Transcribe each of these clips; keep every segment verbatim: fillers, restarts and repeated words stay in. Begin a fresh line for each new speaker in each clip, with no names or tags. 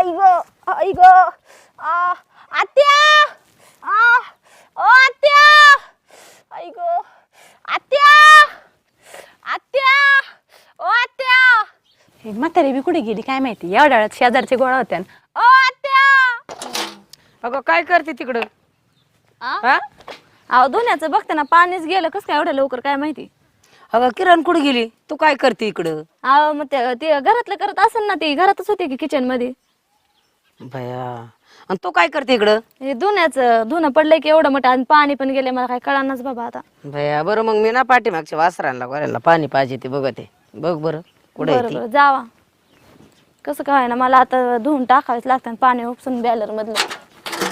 आई ग आई ग आ आत्या आ ओ आत्या आई ग आत्या आत्या ओ आत्या
हे म्हातारी बी कुठे गेली काय माहिती एवढ्या वेळात शेजारचे गोळा होत्या
ओ आत्या
अगं काय करते तिकडं
आ
हा
अहो धुण्याचं बघते ना पाणीच गेलं कसं काय एवढ्या लवकर काय माहिती
अगं किरण कुठे गेली तू काय करते इकडं
अहो मग ते ते घरातलं करत असेल ना ती घरातच होती की किचन मध्ये
भया आणि तू काय करते इकडं
हे धुण्याचं धुणं पडलंय की एवढं मोठं आणि पाणी पण गेले मला काय कळानाच बाबा आता
भया बरं मग मी ना पाठीमागच्या वासरांना गोऱ्यांना पाणी पाहिजे ते बघते बघ बरं कुठे
बरं बरं जावा कसं काय ना मला आता धुवून टाकावेच लागतं पाणी उपसून बॅलर मधलं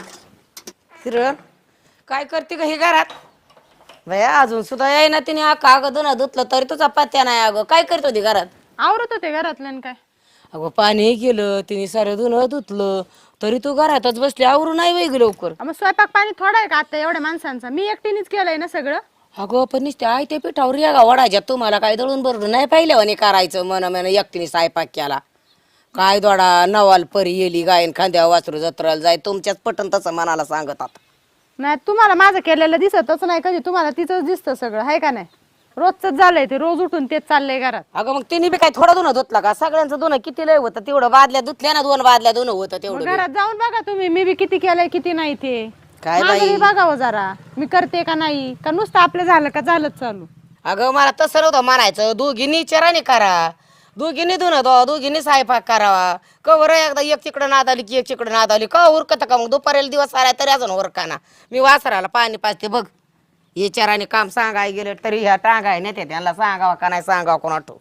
किरण काय करते का हे घरात भया अजून सुद्धा याय ना तिने हा कागद ना धुतलं तरी तुझा पत्त्या नाही अगं काय करत होती घरात
आवरत होते घरातलं काय
अगं पाणी गेलं तिने सारं धुणं धुतलं तरी तू घरातच बसली आवरून नाही वेग लवकर
मग स्वयंपाक पाणी थोडा आहे का आता एवढ्या माणसांचा मी एकटीनेच केलंय ना सगळं
अगं पण नुसते आई ते पिठावर या गा वडायच्या तुम्हाला काय दळून बरोबर नाही पाहिल्यावानी करायचं मन मन एकटीने स्वयंपाक केला काय दोडा नवाल परी येली गायन खांद्या वासरू जत्राला जाय तुमच्याच पटन तसं मनाला सांगतात
नाही तुम्हाला माझं केलेलं दिसतच नाही कधी तुम्हाला तिचंच दिसतं सगळं आहे का नाही रोजच झालंय ते रोज उठून तेच चाललंय घरात
अगं मग तिने बी काय थोडं धुणं धुतला का सगळ्यांचं धुणं किती लय होतं तेवढं बादल्या धुतल्या ना दोन बादल्या धुणं होतं
मग
तेवढं
घरात जाऊन बघा तुम्ही मी बी किती केलंय किती नाही ते
काय
माझं
बाई?
बी बघावं जरा मी करते का नाही का नुसतं आपलं झालं का झालंच चालू
अगं मला तसं नव्हतं म्हणायचं दोघींनी चराने करा दोघींनी धुणं धुवा दोघींनी स्वयंपाक करावा कवर एकदा एक तिकडं नाद आली की एक तिकडं नाद आली का उरकत का मग दुपारीला दिवस आला तरी अजून उरकाना मी वासराला पाणी पाजते बघ हे चराने काम सांगाय गेले तरी ह्या टांगाय नेते त्यांना सांगावा का नाही सांगावा कोण आठव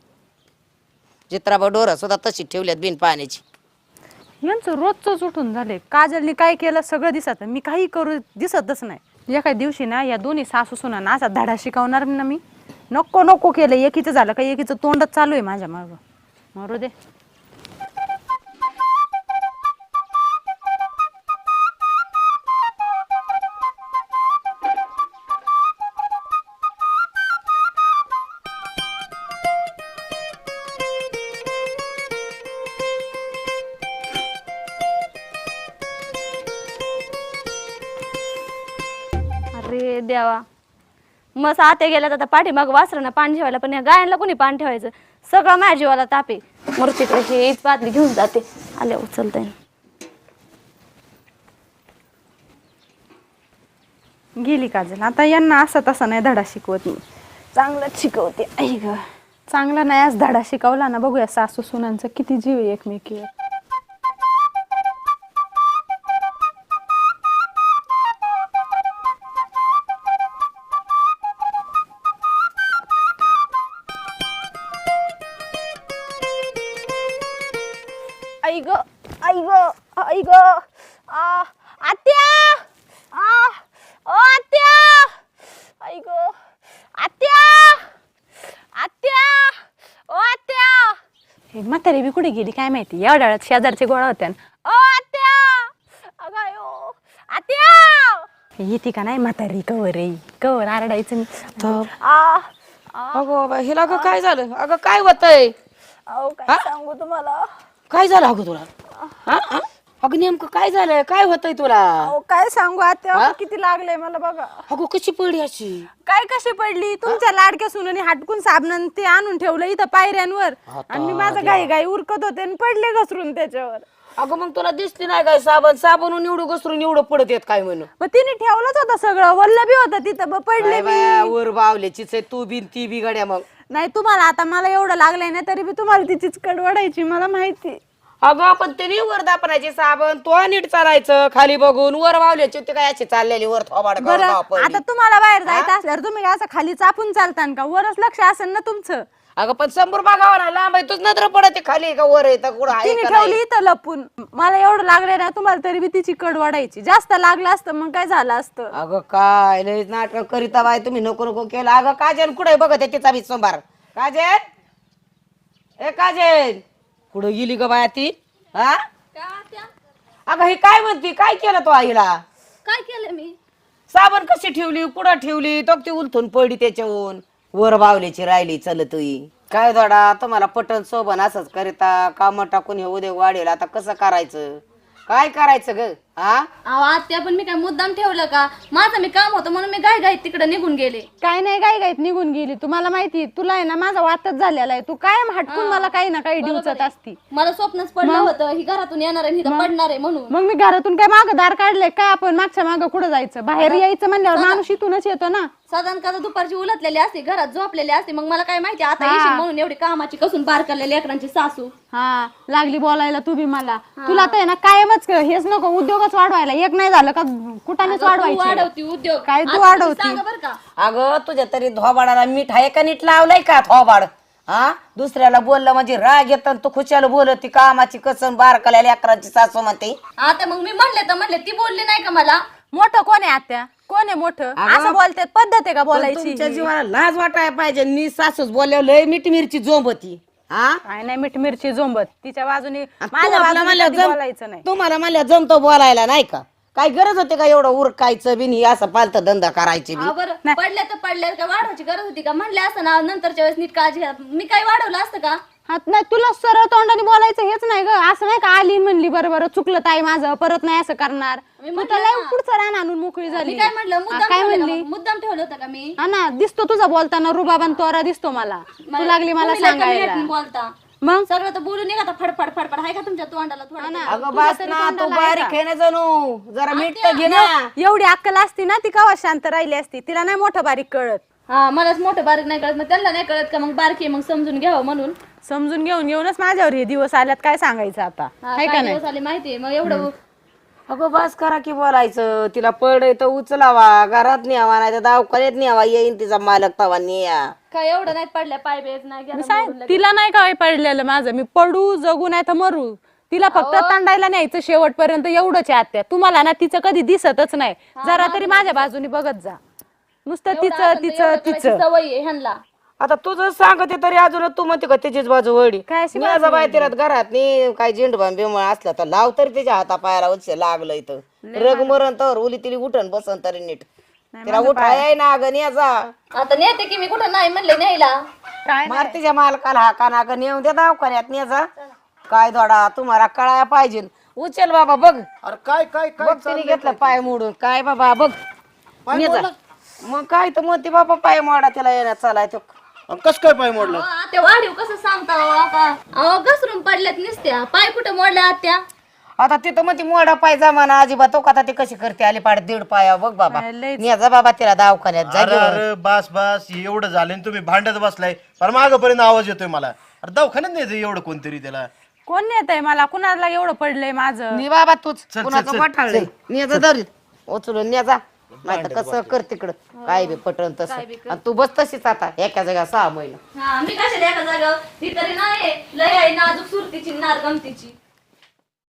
चित्राबा डोरं सुद्धा तशी ठेवल्यात बिन पाण्याची
यांचं रोजच उठून झाले काजलनी काय केलं सगळं दिसत मी काही करू दिसतच नाही एका दिवशी ना या दोन्ही सासू सुना असा धडा शिकवणार ना मी नको नको केलं एकीचं झालं का एकीचं तोंडच चालू आहे माझ्या मागं मरू दे
अरे देवा मस्त आते गेल्यात आता पाठीमाग वासरांना पाणी ठेवायला पण या गायांना कोणी पाणी ठेवायचं सगळं माझ्या जीवाला तापे मग तिकडे हेच बादली घेऊन जाते आल्या उचलता
गेली काजल आता यांना असं तसं नाही धडा शिकवत मी
चांगलंच शिकवते आई ग
चांगला नाही आज धडा शिकवला ना बघूया सासू सुनांचा किती जीव आहे एकमेकीवर
आई ग आई ग आई ग आ आत्या आ ओ आत्या आई ग आत्या आत्या ओ आत्या
हे म्हातारी बी कुठे गेली काय माहिती एवढ्या वेळात शेजारचे गोळा होत्या
ओ आत्या अगायो आत्या
येते का नाही म्हातारी कवर आहे कवर आरडायचं
तर
आ
अगं बाई, हिला अगं काय झालं अगं काय होतंय
अहो काय सांगू तुम्हाला
काय झालं अगं तुला हा? हा? अगं नेमकं काय झालंय काय होतंय तुला
अहो काय सांगू आत्या किती लागलंय मला बघा
अगं कशी पडली अशी
काय कशी पडली तुमच्या लाडक्या सुनाने हटकून साबण ते आणून ठेवलं इथं पायऱ्यांवर आणि मी माझं गाई गाई उरकत होते आणि पडले घसरून त्याच्यावर
अगं मग तुला दिसली नाही काय साबण साबण एवढं घसरून एवढं पडत येत काय म्हणून
मग तिने ठेवलंच होतं सगळं वल्ल बी होतं तिथं मग पडले
काय
मी
बाया, वर बावल्याचीच आहे तू बी ती बी गड्या मग
नाही तुम्हाला आता मला एवढं लागलंय ना तरी बी तुम्हाला तिचीच कडवडायची मला माहिती
अगं आपण ते वर दापणाचे साबण तो नीट चालायचं खाली बघून वर वावल्याची ते काय अशी चाललेली वर थोबाड
बरं
गवताव पडली.
आता तुम्हाला बाहेर जायचं असल्यावर तुम्ही असं खाली चापून चालतान का वरच लक्ष असेल ना तुमचं
अगं पण समोर बघावं ना लांब आहे तुझ नजर पडते खाली का वर आहे का कुठं आहे
तिने
का
ठेवली
नाही.
इथं लपून मला एवढं लागलंय ना तुम्हाला तरी बी तिची कड वाढायची जास्त लागलं असतं मग काय झालं असतं
अगं काय लय नाटक करीता बाय तुम्ही नको नको केलं अगं काजल कुठे बघत आहे तिचा बी सोमवार काजल ए काजल कुठं गेली ग बाया ती हा अगं हे काय म्हणती काय केलं तो आईला
काय केलं मी
साबण कशी ठेवली कुठं ठेवली तो ती उलथून पडली त्याच्याहून वर बावल्याची राहिली चलत काय धडा तुम्हाला पटन सोबन असंच करिता काम टाकून हे उद्या वाढेल आता कसं करायचं काय करायचं ग हा
अहो आत्या पण मी काय मुद्दाम ठेवलं का माझं मी काम होतं म्हणून मी गाय गाय तिकडे निघून गेले.
काय नाही गाई गाईत निघून गेली. तुम्हाला माहिती तुला आहे ना माझा वातच झालेला आहे. तू कायम हटकून मला काही ना काही डिवचत असती.
मला स्वप्नच पडलं होतं ही घरातून येणार आहे इथं पडणार आहे म्हणून.
मग मी घरातून काय मागं दार काढले काय आपण मागच्या मागं कुठं जायचं बाहेर यायचं म्हणल्यावर माणूस इथूनच येतो ना.
साधारण का दुपारची उलटलेली असते घरात झोपलेली असते मग मला काय माहिती आता येशील म्हणून एवढी कामाची कसून बार करलेली लेकरांची सासू.
हा लागली बोलायला तू बी मला. तुला तर आहे ना कायमच हेच नको उद्योगच वाढवायला. एक नाही झालं का कुठानेच वाढवायची.
वाढवती उद्योग
काय तू
आता
वाढवती?
सांगा बरं का
अगं तुझ्या तरी धोबाडाला मीठ आहे का नीट लावलंय का थोबाड हा दुसऱ्याला बोललं म्हणजे राग येत तू खुशाला बोलत ती कामाची कसन बारकाल्या लेकरांची सासू म्हणते.
आता मग मी म्हणले तर म्हणले ती बोलली नाही का मला.
मोठं कोण आहे आत्या कोण आहे मोठं असं बोलते पद्धत आहे का बोलायची.
तुमच्या जीवाला लाज वाटायला पाहिजे मी सासूच बोलल्यावर लय मीठ मिरची जोंबती हा
काय नाही मीठ मिरची जोंबत तिच्या बाजूने माझ्या
तुम्हाला
बाजूने
म्हणलं
कधी
जम-
बोलायचं नाही.
तुम्हाला म्हणलं जमतो बोलायला नाही का काय गरज होती का एवढं उरकायचं बिन ही असं पालत धंदा करायची बी?
हा बरं पडल्या तर पडल्या का वाढवायची गरज होती का म्हणले असं ना नंतरच्या वेळेस नीट काळजी घ्या. मी काय वाढवलं असतं का.
हा नाही तुला सरळ तोंडाने बोलायचं हेच नाही ग. असं नाही का आली म्हणली बरोबर चुकलं ताई माझं परत नाही असं करणार. तू त्याला पुढचं रान आणून मोकळी झाली.
मी काय म्हटलं
हा,
मुद्दाम
काय
ठेवलं
म्हणली
का? मुद्दाम ठेवलं होतं का मी.
हा ना दिसतो तुझा बोलताना रुबाबान तोरा दिसतो मला. तू लागली मला
तुम्ही लय कमी
सांगायला
रेटने बोलता
मग
सगळं तर बोलून निघा फडफड फडफड आहे का तुमच्या तोंडाला थोडं तरी?
अगं बस ना तू बारीक आहे ना जणू जरा मीठ तर घे ना.
एवढी अक्कल असती ना ती कवा शांत राहिली असती. तिला नाही मोठं बारीक कळत.
हा मलाच मोठं बारीक नाही कळत मग त्यांना नाही कळत का मग बारकी आहे, मग समजून घ्यावं म्हणून.
समजून घेऊन घेऊनच माझ्यावर हे दिवस आल्यात काय सांगायचं आता
हा,
आहे का
काय
नाही.
दिवस आले माहितीये मग एवढं
अगं बस करा की बोलायचं तिला पडय तर उचलावा घरात न्यावा नाही तर दवाखान्यात न्यावा येईन तिचा मालक तवा नेया.
काय एवढं नाही पडल्या पाय बेज नाही गेला
सांग,
मोडून लगेच.
तिला नाही काय पडलेलं माझं. मी पडू जगू नाही तर मरू. तिला फक्त तांडायला न्यायचं शेवटपर्यंत एवढंच आहे आत्या. तुम्हाला ना तिचं कधी दिसतच नाही. जरा तरी माझ्या बाजूनी बघत जा. नुसतं
एवढं
तिचं
असेल तर
तिचं
एवढं करायची
तिचं
सवय आहे ह्यांना.
आता तुझं सांगते तरी अजून तू म्हणते का त्याचीच बाजू वडी
काय अशी
माझा बाय तिला घरात नाही काय झेंडूबाम बिमळ असला तर लाव तरी त्याच्या हाता पायाला उच लागलं इथं रग मरण तर उली तिली उठण बसन तरी नीट तिला उठाय ना अगं न्याचा
आता नेते की मी कुठं नाही म्हणले न्यायला.
काय
मार तिच्या मालकाला हा काना अगं नेऊन दे दवाखान्यात न्याचा काय दोडा तुम्हाला कळाया पाहिजे. उचल बाबा बघ
अरे काय काय काय
बघ तिने घेतलं पाय मोडून काय बाबा बघ न्याचा मग काय तर म्हणते बाबा पाय मोडा तिला येण्यात चालाय तो
कस काय पाय मोडला
अहो, आत्या वाढीव कसं सांगता अहो, आता अहो घसरून पडल्यात नुसत्या पाय कुठं मोडल्या आत्या.
आता तिथं म्हणते मोडा पाय जमाना अजिबात तो आता ती कशी करते आली पाड दीड पाया बघ बाबा न्याचा बाबा तिला दवाखान्यात
अरे
जागी
अरे बस बस एवढं झालं आणि तुम्ही भांडत बसलाय पर मागपर्यंत आवाज येतोय मला. अरे दवाखान्यात नाही एवढं कोणतरी त्याला
कोण नेत आहे मला. कुणाला एवढं पडलंय माझं.
नी बाबा तूच
चल,
कुणाचं
चल.
वाटाळलंय न्याचा दरीत उचलून न्याचा नाही तर कसं कर तिकडं काय बी पटन तसं आणि तू बस तशीच आता एका जागा सहा महिना
हा मी कशाला एका जागा ती तरी नाही लय आहे नाजूक सुरतीची नार गमतीची.